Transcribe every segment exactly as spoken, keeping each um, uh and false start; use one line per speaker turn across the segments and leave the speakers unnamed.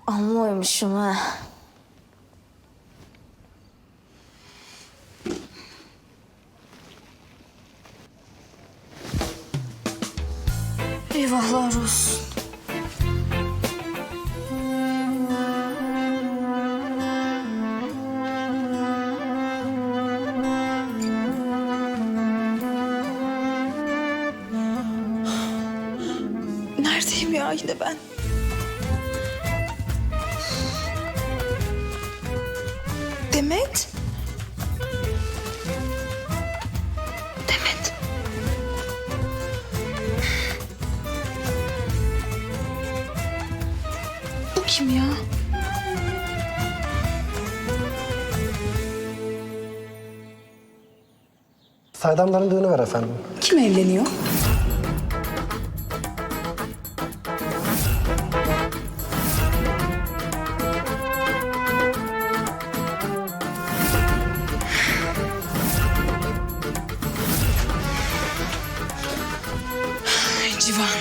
Anlıyormuşum ha. Eyvahlar olsun. Neredeyim ya yine ben? Demet? Demet. Bu kim ya?
Saydamların düğünü var efendim.
Kim evleniyor? Civan.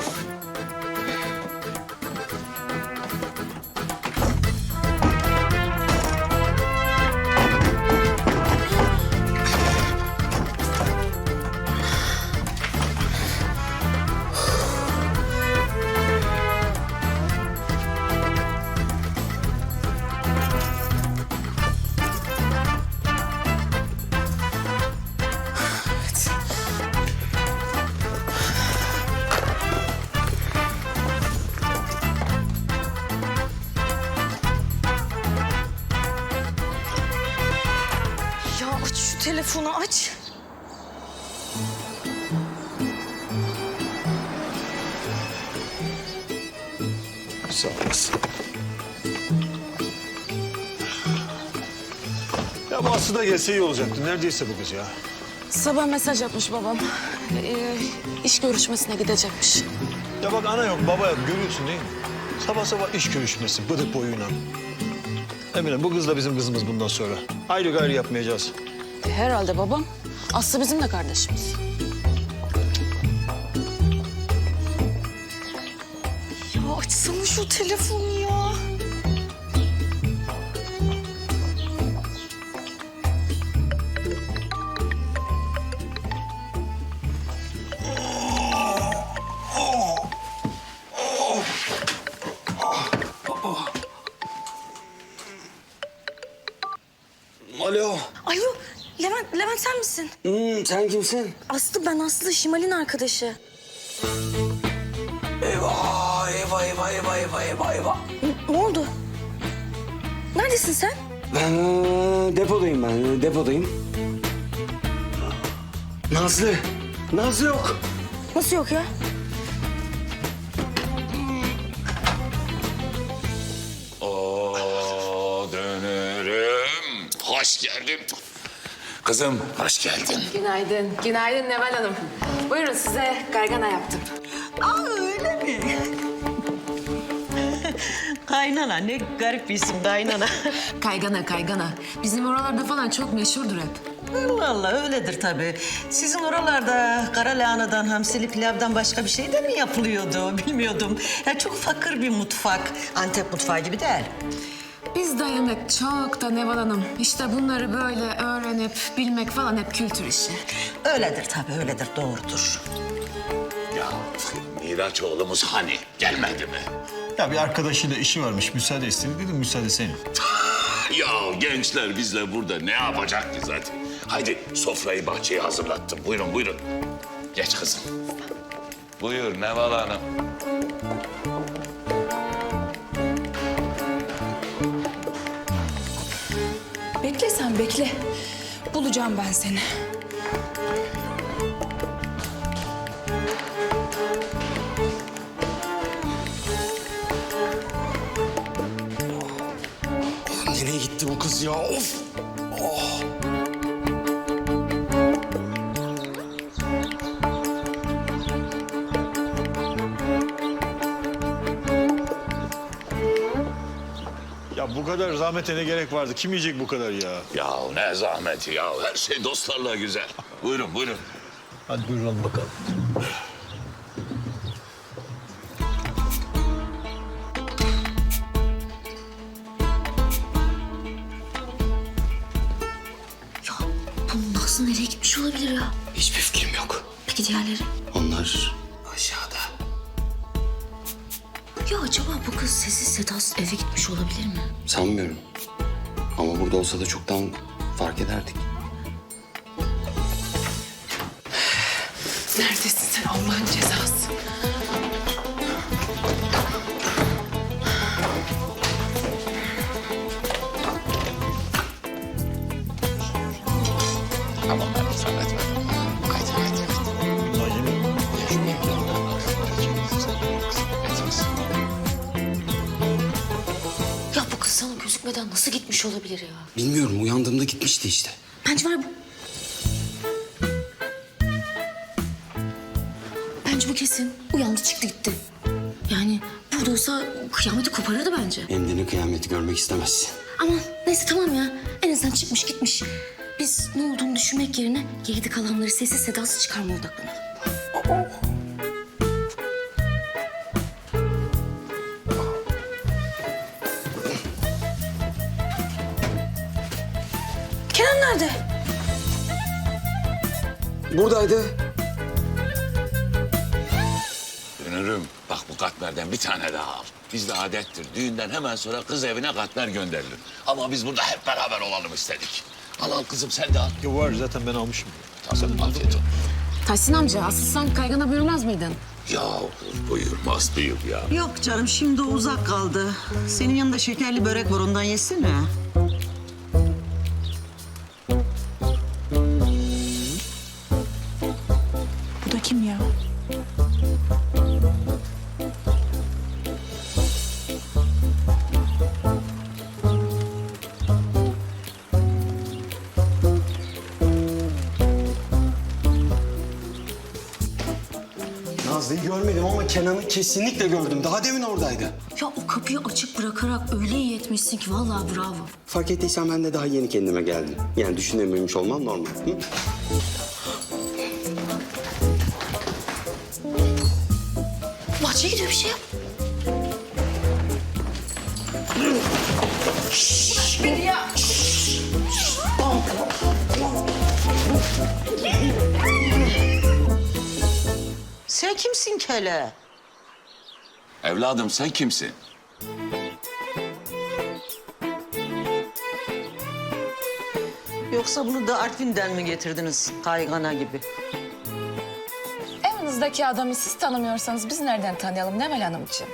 Ya aç şu telefonu aç.
Sağ olasın. Ya bu Aslı da gelse iyi olacaktı. Neredeyse bu kız ya.
Sabah mesaj atmış babam. Ee, iş görüşmesine gidecekmiş.
Ya bak ana yok, baba yok. Görüyorsun değil mi? Sabah sabah iş görüşmesi, bıdık boyuyla. Emine bu kız da bizim kızımız bundan sonra. Ayrı gayrı yapmayacağız.
E, herhalde babam. Aslı bizim de kardeşimiz.
Ya açsana şu telefonu ya.
Alo.
Alo Levent, Levent sen misin?
Hmm, sen kimsin?
Aslı ben Aslı, Şimal'in arkadaşı.
Eyvah, eyvah, eyvah, eyvah, eyvah, eyvah, eyvah.
Ne, ne oldu? Neredesin sen?
Ben ee, depodayım ben, ee, depodayım. Nazlı, Nazlı yok.
Nasıl yok ya?
Oo dönürüm. Hoş geldin. Kızım hoş geldin.
Günaydın. Günaydın Neval Hanım. Buyurun size gargana yaptım.
Aa öyle mi? Kaynana ne garip bir isim kaynana.
Kaygana kaygana. Bizim oralarda falan çok meşhurdur hep.
Allah Allah öyledir tabii. Sizin oralarda kara lahanadan, hamsili pilavdan başka bir şey de mi yapılıyordu bilmiyordum. Ya çok fakir bir mutfak. Antep mutfağı gibi değil.
Bizde yemek çok da Neval Hanım. İşte bunları böyle öğrenip bilmek falan hep kültür işi.
Öyledir tabii öyledir doğrudur.
Ya Miraç oğlumuz hani gelmedi mi?
Ya bir arkadaşıyla işi varmış, müsaade istedi. Dedim müsaade senin.
Ya gençler bizle burada ne yapacak ki zaten? Haydi sofrayı bahçeye hazırlattım. Buyurun buyurun. Geç kızım. Buyur Neval Hanım.
Bekle sen bekle. Bulacağım ben seni.
Nereye gitti bu kız ya? Of! Oh!
Ya bu kadar zahmete ne gerek vardı? Kim yiyecek bu kadar ya?
Ya ne zahmeti ya. Her şey dostlarla güzel. Buyurun buyurun.
Hadi buyurun bakalım.
Peki diğerleri?
Onlar aşağıda.
Ya acaba bu kız sessiz sedasız eve gitmiş olabilir mi?
Sanmıyorum. Ama burada olsa da çoktan fark ederdik.
Neredesin sen Allah'ın cezası?
Tamam hadi zahmet ver. Haydi haydi haydi.
Ulan yemin.
Ya bu kız sana gözükmeden nasıl gitmiş olabilir ya?
Bilmiyorum, uyandığımda gitmişti işte.
Bence var bu. Bence bu kesin. Uyandı çıktı gitti. Yani burada olsa kıyameti koparırdı bence.
Endini kıyameti görmek istemezsin.
Ama neyse tamam ya. En azından çıkmış gitmiş. Biz ne olduğunu düşünmek yerine geride kalanları sessiz sedasız çıkarmaya odaklanalım. Kenan nerede?
Buradaydı.
Dönürüm. Bak bu katmerden bir tane daha al. Bizde adettir. Düğünden hemen sonra kız evine katmer gönderilir. Ama biz burada hep beraber olalım istedik. Al al kızım sen de al.
Ya var zaten ben almışım.
Tamam afiyet olsun.
Tahsin amca asıl sen kaygana buyurmaz mıydın?
Ya buyurmaz buyur ya.
Yok canım şimdi o uzak kaldı. Senin yanında şekerli börek var ondan yesene.
Bu da kim ya?
Nazlı'yı görmedim ama Kenan'ı kesinlikle gördüm. Daha demin oradaydı.
Ya o kapıyı açık bırakarak öyle iyi etmişsin ki vallahi bravo.
Fark ettiysen ben de daha yeni kendime geldim. Yani düşünememiş olmam normal. Hı?
Bahçeye gidiyor bir şey yap.
Sen kimsin kele?
Evladım sen kimsin?
Yoksa bunu da Artvin'den mi getirdiniz kaygana gibi?
Evinizdeki adamı siz tanımıyorsanız biz nereden tanıyalım Nemel Hanımcığım?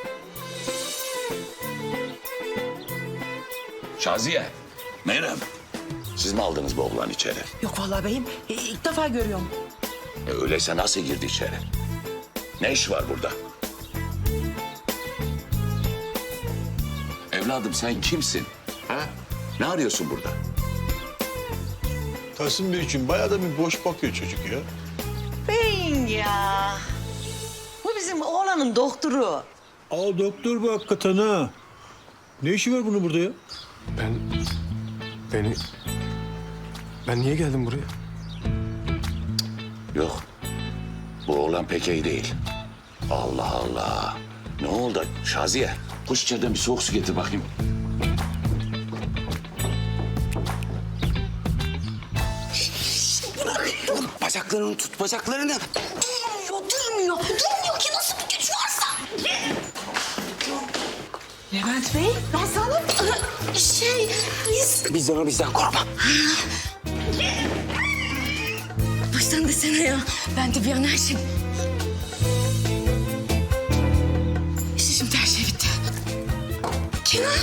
Şaziye, Meyrem. Siz mi aldınız bu oğlan içeri?
Yok vallahi beyim. E, ilk defa görüyorum.
E, öyleyse nasıl girdi içeri? Ne iş var burada? Evladım sen kimsin? Ha? Ne arıyorsun burada?
Tahsin Bey için bayağı da bir boş bakıyor çocuk ya.
Beyin ya. Bu bizim oğlanın doktoru.
Aa doktor bu hakikaten ha. Ne işi var bunun burada ya?
Ben... Beni... Ben niye geldim buraya?
Yok. Bu oğlan pek iyi değil. Allah Allah. Ne oldu Şaziye? Koş içeriden bir soğuk su getir bakayım.
Bacaklarını tut, bacaklarını.
Durmuyor, durmuyor. Durmuyor ki nasıl bir güç varsa.
Levent Bey.
Nazlı şey, biz...
Bizden o bizden korkma.
Baştan desene ya. Ben de bir an her şey... İşte şimdi her şey bitti. Kenan.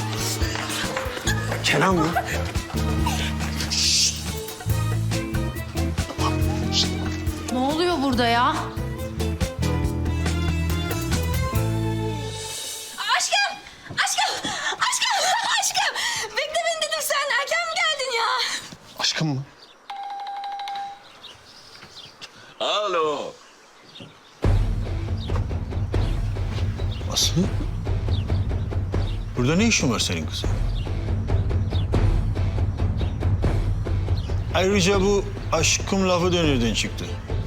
Kenan mı?
Ne oluyor burada ya?
Aşkım, aşkım, aşkım, aşkım. Bekle beni dedim sen. Erken mi geldin ya?
Aşkım mı?
Alo.
Aslı? Burada ne işin var senin kızım? Ayrıca bu aşkım lafı da nereden çıktı?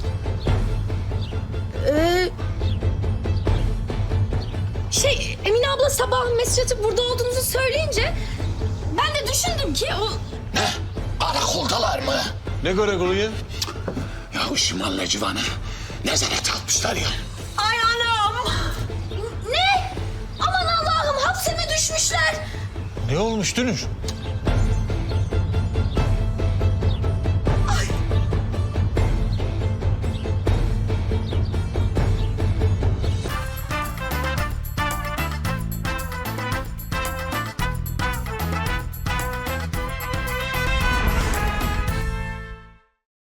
Şey, Emine abla sabah mesaj atıp burada olduğunuzu söyleyince... ...ben de düşündüm ki o...
Ne? Karakoldalar mı?
Ne karakolu ya?
Ya Şimal Civan'ı Nezarete almışlar ya.
Ay anam! Ne? Aman Allah'ım hapse mi düşmüşler?
Ne olmuş Dünür?